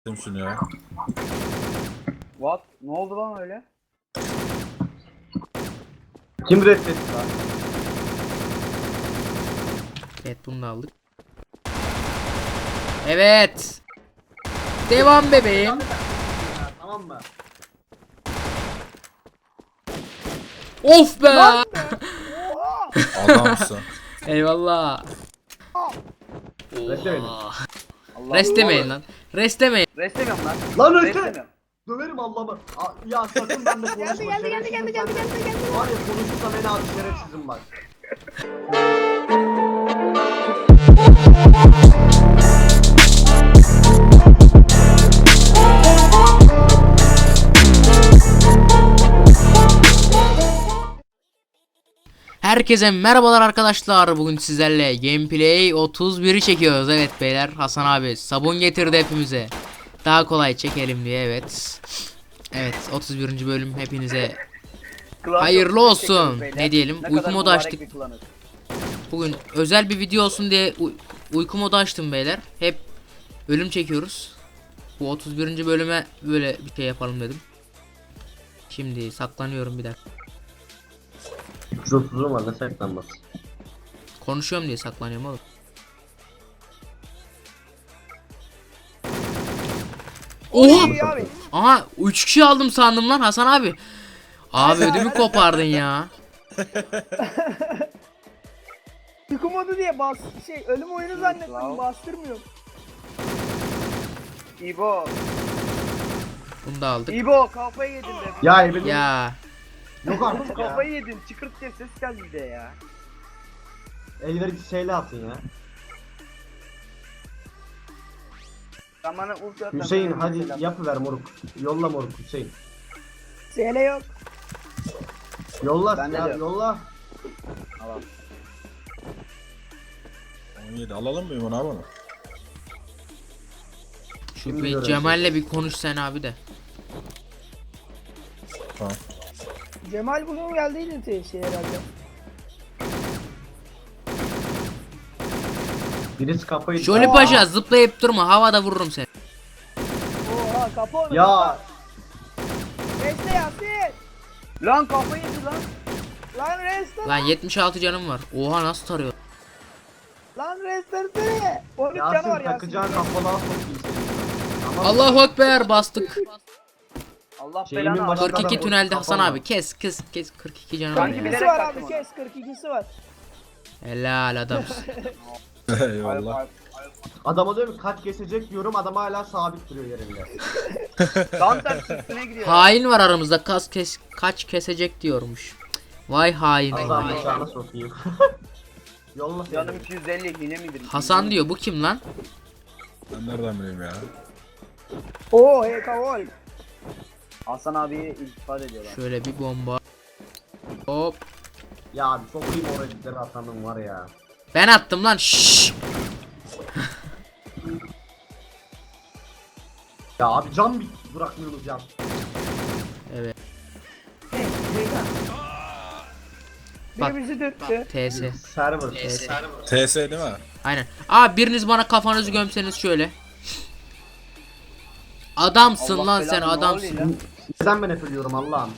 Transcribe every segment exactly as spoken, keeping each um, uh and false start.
şunu ya. What? Ne oldu lan öyle? Kim reddetti lan? Evet, bunu da aldık. Evet. Devam bebeğim. Tamam mı? Of be. Adamsın. Eyvallah. Restlemeyin. Oha. Allah Restlemeyin lan. Restlemeyin. Restemiyorum lan. Lan öte! Restemiyorum. Döverim Allah'ımı. Aa, ya sakın benimle konuşma. Geldi, geldi, geldi, geldi, geldi, geldi, geldi. Var ya konuşursam en abi şerefsizim bak. Herkese merhabalar arkadaşlar. Bugün sizlerle gameplay otuz biri çekiyoruz. Evet beyler, Hasan abi sabun getirdi hepimize. Daha kolay çekelim diye, evet. Evet, otuz birinci bölüm hepinize Klan hayırlı çok olsun. çekiyoruz beyler. Ne diyelim? Ne Uyku kadar modu mübarek açtık. bir klanız. Bugün özel bir video olsun diye uy- uyku modu açtım beyler. Hep ölüm çekiyoruz. Bu otuz birinci bölüme böyle bir şey yapalım dedim. Şimdi saklanıyorum bir dakika. üç otuzum var ne saklanmaz. Konuşuyorum diye saklanıyorum oğlum. Oha! İyi abi. Aha, üç kişi aldım sandım lan Hasan abi. Abi ödümü kopardın ya. Uyku modu diye bas şey ölüm oyunu zannettim, Wow. bastırmıyorum. İbo. Bunu da aldık. İbo kafayı yedin be. Ya evim Ya yok artık ya. Kafayı yedin. Çıkırt diye ses geldi bir de ya. Elleri şeyle atın ya. Sen bana ulti at. Hüseyin hadi yapıver moruk. Yolla moruk Hüseyin. Sele yok. Yolla Bende ya de yok. yolla. Tamam. on yedi alalım mı bunu abi? şu Şimdi bir göreceğiz. Cemal'le bir konuş sen abi de. Tamam. Cemal bugün geldiydi te- şey herhalde. Birisi kafayı... Jolly Aa! Paşa zıplayıp durma, havada vururum seni. Oha kapı onu. Ya Reste Yasin. Lan kafayı yedi lan. Lan reste. Lan yetmiş altı canım var. Oha, nasıl tarıyor? Lan reste. on üç canı var Yasin Yasin. takacağın kafalığa sokayım seni. Tamam mı? Allahu Ekber, bastık. Allah Şeyimin belanı başında alsın. kırk iki adam- tünelde Hasan kafam abi, var. kes kes kes, kırk iki canım var Sanki ya. bilerek kırk ikisi var kaçtım abi, ona. kes kırk ikisi var. Helal adamsın. Eyvallah. Adama diyorum ki kaç kesecek diyorum adam hala sabit duruyor yerinde. Tam tersi üstüne gidiyor. Hain var aramızda, kas kes kaç kesecek diyormuş. Vay hain. Allah'ım vay. bıçağına sokayım. Yolla Canım seni. iki yüz elli yine midir? Hasan diyor, bu kim lan? Ben nereden bileyim ya? Oo hey kavol. Hasan abiye iltifat ediyorlar. Şöyle bir bomba. Hop. Ya abi sokayım oraya cidleri atanım var ya. Ben attım lan. Şşş. Ya abi can bir bırakmıyorsunuz ya. Evet. Biri Bak. bizi dürttü. T S. Server. T S. T S değil mi? Aynen. Abi biriniz bana kafanızı gömseniz şöyle. Adamsın Allah lan sen, belanı, ne adamsın. oluyor lan? Neden ben hep ölüyorum Allah'ım.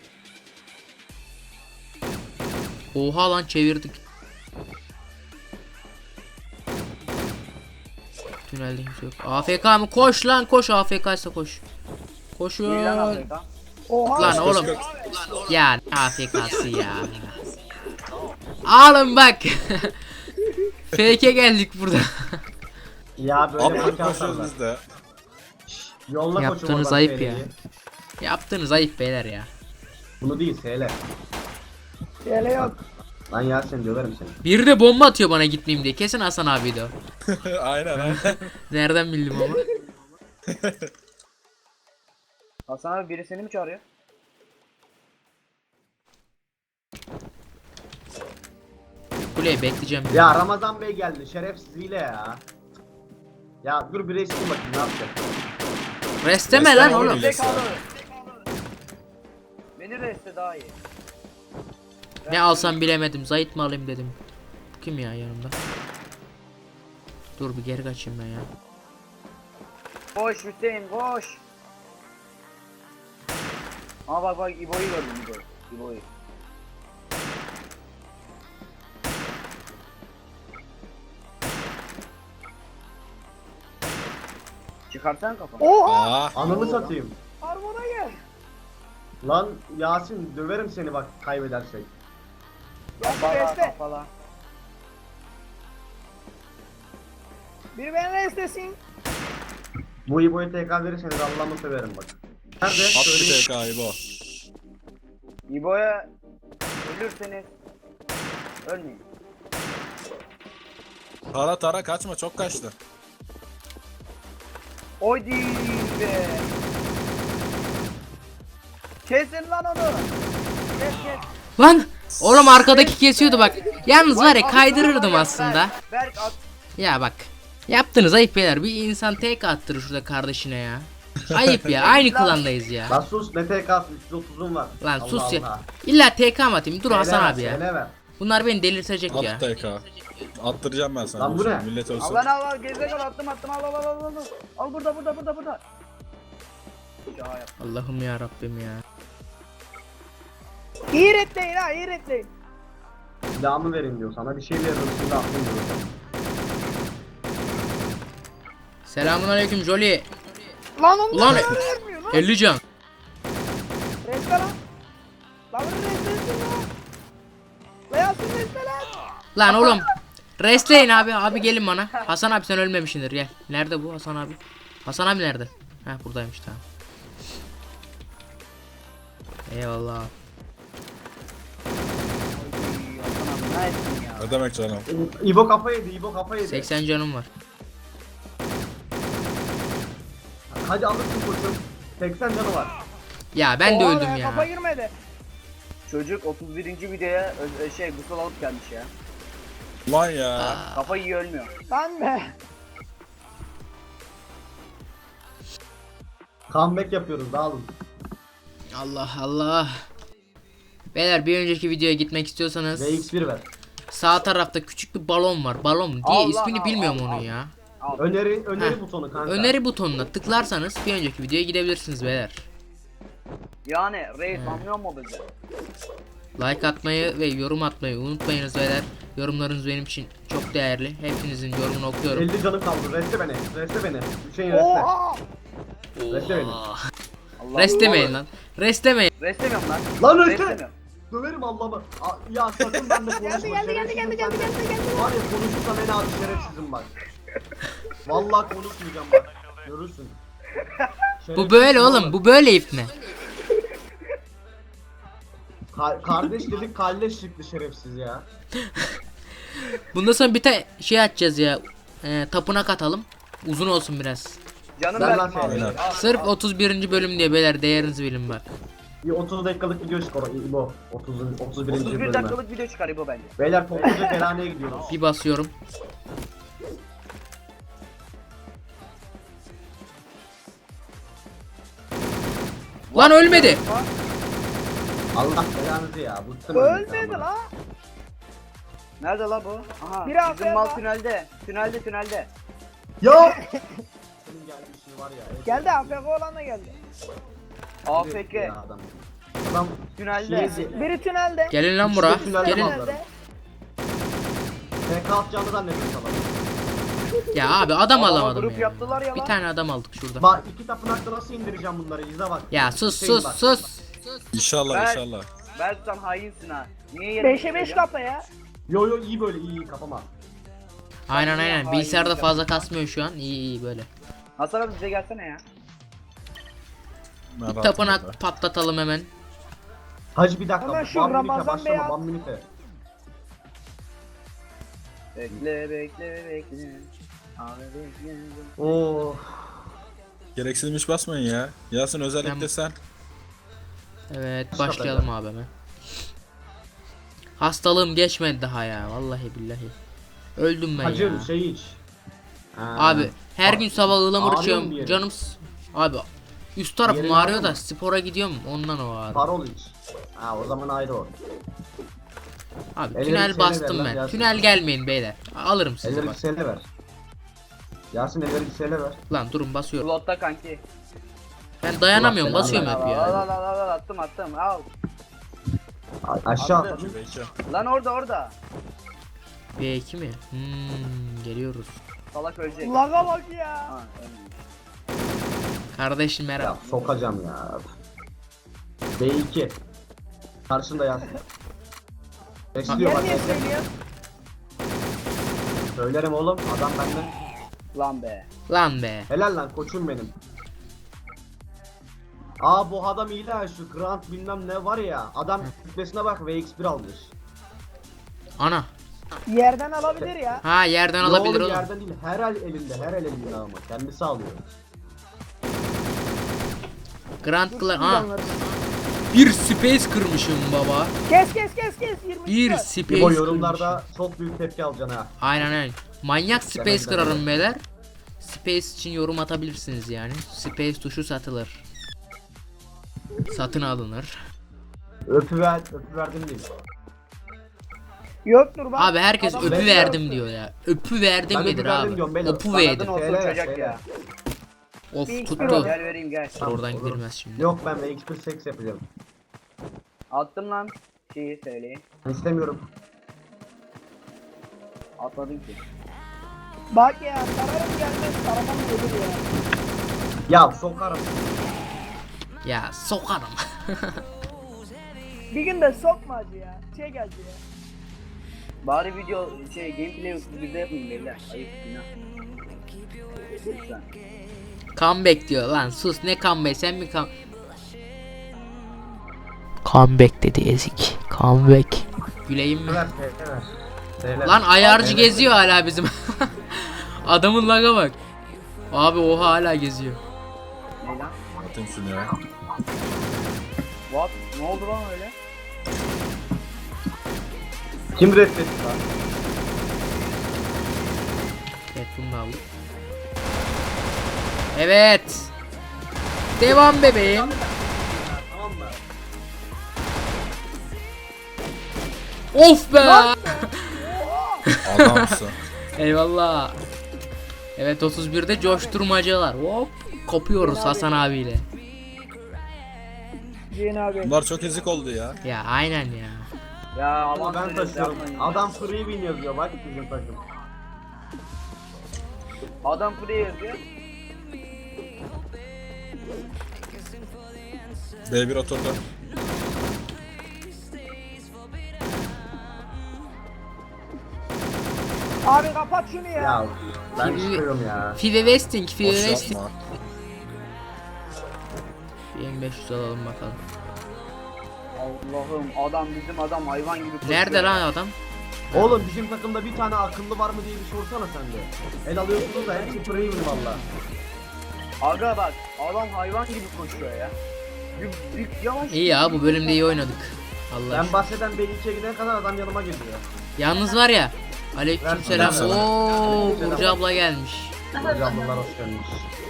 Oha lan, çevirdik. Tünelde kimse yok. A F K mı? Koş lan, koş. A F K ise koş. Koşuyor. İyi lan Afrika. Oha. Lan oğlum. Ya ne A F K'sı ya. Alın bak. Fake'e geldik burada. Ya böyle Abi maç koşuyoruz atarlar. biz de. Yolla koçum Yaptığınız oradan ayıp Sele'yi. ya. Yaptığınız ayıp beyler ya. Bunu değil Sele. Sele yok. Lan Yasin döverim seni. Biri de bomba atıyor bana gitmeyeyim diye. Kesin Hasan abiydi o. Aynen aynen. Nereden bildim ama. Hasan abi biri seni mi çağırıyor? Kuleye bekleyeceğim. Ya Ramazan Bey geldi şerefsizliğiyle ya. Ya dur bir resim bakayım ne yapacak. Resteme lan Resteme oğlum. bile. Tek aldı. Beni reste daha iyi. Ne alsam bilemedim. Zayit mi alayım dedim. Bu kim ya yanımda? Dur bir geri kaçayım ben ya. Koş Hüseyin koş. Aa bak bak İbo'yu gördüm İbo'yu. İbo'yu. Çıkarsan kafanı. Oha! Aa. Ananı satayım. Armona gel. Lan Yasin döverim seni bak kaybedersek. Yasin Kafala reste. kafala. Biri beni restesin. Bu İbo'yu T K verirseniz Allah'ımı severim bak. Nerede? At bir Söyleyeyim. T K'yı bu. İbo'ya ölürseniz ölmeyin. Tara tara kaçma, çok kaçtı. Oydi be. Kesin lan onu. Kes kes. Lan oğlum arkadaki kesiyordu bak. Yalnız var ya kaydırırdım aslında. Berk at. Ya bak. Yaptınız ayıp beyler. Bir insan tek attırır şurada kardeşine ya. Ayıp ya. Aynı klandayız ya. Lan sus ne T K'sı üç yüz otuzum var. Lan Allah sus ya. Allah. İlla T K mı atayım? Dur Söyle Hasan ver, abi ya. söyle ver. Bunlar beni delirtecek ya. At T K. Attıracağım ben sana. Lan bu dur ne? şimdi, millet ölsün. Al lan al al gerizekalı attım attım al al al al al. Al burada burada burada burada. Ya yap. Allah'ım ya Rabbim ya. İyi retleyin ha iyi retleyin. Silahımı verin diyor sana bir şey veririm şimdi aklım diyor. Selamun aleyküm Jolly. Lan onu Ulan da vermiyor lan. elli can. Reste lan. Lan bunu restesin lan. Lan Yasin reste lan. Lan oğlum. Restleyin abi. Abi gelin bana. Hasan abi sen ölmemişsindir gel. Nerede bu Hasan abi? Hasan abi nerede? Heh buradaymış tamam. Eyvallah. Oy, Hasan abi ne ettin ya? Ne demek canım? İbo kafa yedi İbo kafa yedi. seksen canım var. Hadi alırsın koçum. seksen canı var. Ya ben de Oha öldüm be, ya. Kafa girmedi. Çocuk otuz birinci videoya ö- ö- şey gusül alıp gelmiş ya. Lan ya. Kafa iyi ölmüyor. Lan be. Comeback yapıyoruz dağılın. Allah Allah. Beyler bir önceki videoya gitmek istiyorsanız V X bir ver. sağ tarafta küçük bir balon var. Balon mu diye Allah, ismini al, bilmiyorum al, onun al. ya. Al. Öneri öneri Heh. butonu kanka. Öneri butonuna tıklarsanız bir önceki videoya gidebilirsiniz beyler. Yani reis anlıyor mu bizi? Like atmayı ve yorum atmayı unutmayınız beyler. Yorumlarınız benim için çok değerli. Hepinizin yorumunu okuyorum. elli canım kaldı. Reste beni. Reste beni. Hüseyin reste. Oha. Reste beni. Allah Restlemeyin lan. Restlemeyin. Restemiyorum lan. Lan reste. Restemiyorum. Döverim Allah'ımı. Aa, Ya sakın ben de konuşma. Geldi geldi geldi geldi geldi geldi geldi. Var ya konuşursam en abi şerefsizim bak. Vallahi konuşmayacağım bak. Görürsün. Bu Şerefsiz böyle oğlum. oğlum. Bu böyle ipne. Ka- kardeş dedik kalleş çıktı şerefsiz ya. Bundan sonra bir tane şey açacağız ya. Ee, tapınak atalım. Uzun olsun biraz. Canım Ben ben lan abi. seni. Al, Sırf al. otuz birinci bölüm diye beyler değerinizi bilin bak. Bir otuz dakikalık video çıkar İbo. otuz otuz birinci otuz bir bölüme. dakikalık video çıkar bu bence. Beyler topluca Ferhane'ye gidiyoruz. Bir basıyorum. Lan ölmedi. Allah belanızı ya. Bıktım Ölmedi ölmekten la. Nerede la bu? Aha. Biri Bizim arkaya mal bak. tünelde. Tünelde tünelde. Ya! Senin gelmişin var ya. evet. Geldi A F K olan da geldi. A F K. Ya adam. Adam Tünelde. şey- Biri tünelde. Gelin lan bura. İşte tünelde Gelin. var. Tünelde. T K atacağını zannediyorum sana. Ya abi adam Adama alamadım grup ya. yaptılar ya Bir lan. tane adam aldık şurada. Bak iki tapınakta nasıl indireceğim bunları izle bak. Ya sus Hüseyin sus bak. sus. İnşallah Ben- inşallah. Ben sen hainsin ha. Niye yerine beşe beş gidiyorsun? kafa ya. Yo yo iyi böyle iyi iyi kafama. Aynen aynen. Hain Bilgisayarda ya. fazla kasmıyor şu an. İyi iyi böyle. Hasan abi bize gelsene ya. Ben Bir rahatım burada. tapınak patlatalım hemen. Hacı bir dakika. Hemen şu One minute Ramazan başlama, Beyaz- one minute. Bekle bekle bekle. Abi bekle. Oo. Gereksizmiş basmayın ya. Yasin özellikle Ben- sen. Evet Başla başlayalım abi hemen. Hastalığım geçmedi daha ya. Vallahi billahi. Öldüm ben Hacı ya. şey iç. Ha. Abi her gün sabah ıhlamur Ağrıyor mu içiyorum. bir yerin? Canım s- abi üst tarafım Yerin ağrıyor ağrıyor da mu? spora gidiyorum ondan o ağrı. Parol iç. Ha o zaman ayrı o. Abi Elleri tünel seni bastım ver lan ben. Yasin. Tünel gelmeyin beyler. Alırım sizi Elleri bak. seni ver. Yasin elleri bir şeyler ver. Lan durun basıyorum. Slotta kanki. Ben dayanamıyorum Allah basıyorum belanı hep Al al ya. al al al attım attım al. A- Aşağı Attım. atladın. Belki. Lan orada orada. B iki mi? Hmm, geliyoruz. Salak ölecek. Laga bak ya. Ha, ölmüyor. Kardeşim Ya merhaba. sokacağım ya. B iki. Karşında Yasin. Bekliyor Yer bak. niye bekle. söylüyorsun? Söylerim oğlum adam benden. Lan be. Lan be. Helal lan koçum benim. Aa bu adam iyi lan şu Grant bilmem ne var ya. Adam kütlesine bak V X bir almış. Ana. Yerden alabilir ya. Ha yerden Yo alabilir oğlum oğlum. yerden değil her el elinde her el elinde ama kendisi alıyor. Grand Dur, Clan. şimdi Ha. anlarız. Bir space kırmışım baba. Kes kes kes kes. yirmi Bir dört. space Bu kırmışım. yorumlarda çok büyük tepki alacaksın ha. Aynen aynen. Manyak space Demeden kırarım de. beyler. Space için yorum atabilirsiniz yani. Space tuşu satılır. Satın alınır. Öpü ver, öpü verdim değil. Yoktur bak. Abi herkes Adam öpü bekliyor. verdim diyor ya. Öpü verdim Ben öpü nedir verdim abi? diyorum beyler. Opu Bana verdim. Kadın olsun Söyle, çocuk söyle. ya. Of Bir- tuttu. Gel vereyim gel. Dur, oradan Olur. gidilmez şimdi. Yok ben V X bir seks yapacağım. Attım lan. Şeyi söyleyin. Ben istemiyorum. Atmadım ki. Bak ya sararım gelmez saramam gelir ya. Ya sokarım. Ya sokarım. Bir gün de sokma acı ya. Şey geldi ya. Bari video şey gameplay bizde yapmayın beyler. Ayıp günah. Lütfen. Comeback diyor lan sus ne comeback sen mi come... Comeback dedi ezik. Comeback. Güleyim mi? Ver, ver, ver. Söyle. Lan ayarcı Evet. geziyor hala bizim. Adamın laga bak. Abi oha hala geziyor. Ne lan? Atayım şunu ya. What? Ne oldu lan öyle? Kim reddetti lan? Evet bunu da aldım. Evet. Devam bebeğim. Tamam mı? Of be. Adamsın. Eyvallah. Evet otuz birde coşturmacalar. Hop kopuyoruz Hasan abiyle. Cihan abi. Bunlar çok ezik oldu ya. Ya aynen ya. Ya Ama aman ben söylüyoruz, taşıyorum. yapmayın. Adam free win yazıyor bak bizim takım. Adam buraya yazıyor. B bir oturdu. Abi kapat şunu ya. Ya ben Free- çıkıyorum ya. Five Westing, Five Boş Westing. yapma. bin beş yüz alalım bakalım. Allah'ım adam bizim adam hayvan gibi koşuyor. Nerede lan adam? Oğlum bizim takımda bir tane akıllı var mı diye bir sorsana sen de. El alıyorsunuz da hepsi free win valla. Aga bak adam hayvan gibi koşuyor ya. Bir, bir yavaş. İyi ya bu bölümde iyi oynadık. Allah Ben aşkına. bahseden B ikiye giden kadar adam yanıma geliyor. Yalnız var ya. Aleykümselam. Aleykümselam. Oo Burcu abla gelmiş. Hocam bunlar hoş gelmiş.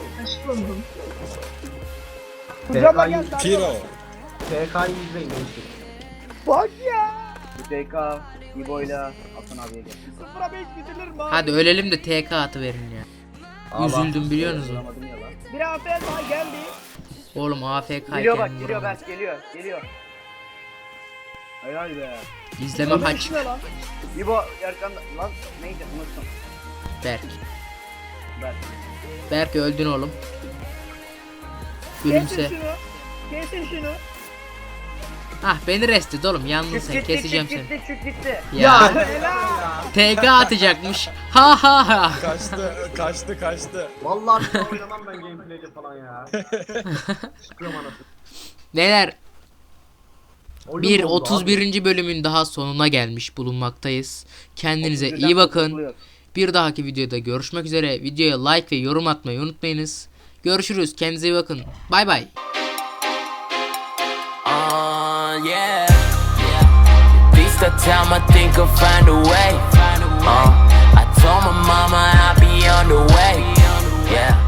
Kucağıma gel sarıl. Piro. T K'yı izleyin gençlik. Bak ya. Bu T K, İbo'yla Hasan abiye gel. Sıfıra beş gidilir mi abi? Hadi ölelim de T K atı verin ya. Allah. Üzüldüm biliyor musun? Bulamadım ya lan. Bir afiyet daha geldi. Oğlum A F K Geliyor bak iken geliyor vuramadım. Berk geliyor geliyor. Helal be. İzleme Öbür kaç. iş ne lan? İbo arkanda lan neydi unuttum. Berk. Berk. Berk öldün oğlum. Kesin Gülümse. şunu. Kesin şunu. Ah beni rest et oğlum yalnız Çık sen gitti keseceğim çık seni. gitti çık gitti. Ya Helal. T K atacakmış. Ha ha ha. Kaçtı, kaçtı, kaçtı. Vallahi bir daha oynamam ben gameplay'de falan ya. Çıkıyorum anasını. Neler? Oyun Bir bozdu otuz abi. birinci bölümün daha sonuna gelmiş bulunmaktayız. Kendinize otuz birden iyi bakın. kurtuluyor. Bir dahaki videoda görüşmek üzere. Videoya like ve yorum atmayı unutmayınız. Görüşürüz. Kendinize iyi bakın. Bay bay. Uh, yeah. Beast of time, I think I'll find a way. Uh, I told my mama I'll be on the way. Yeah.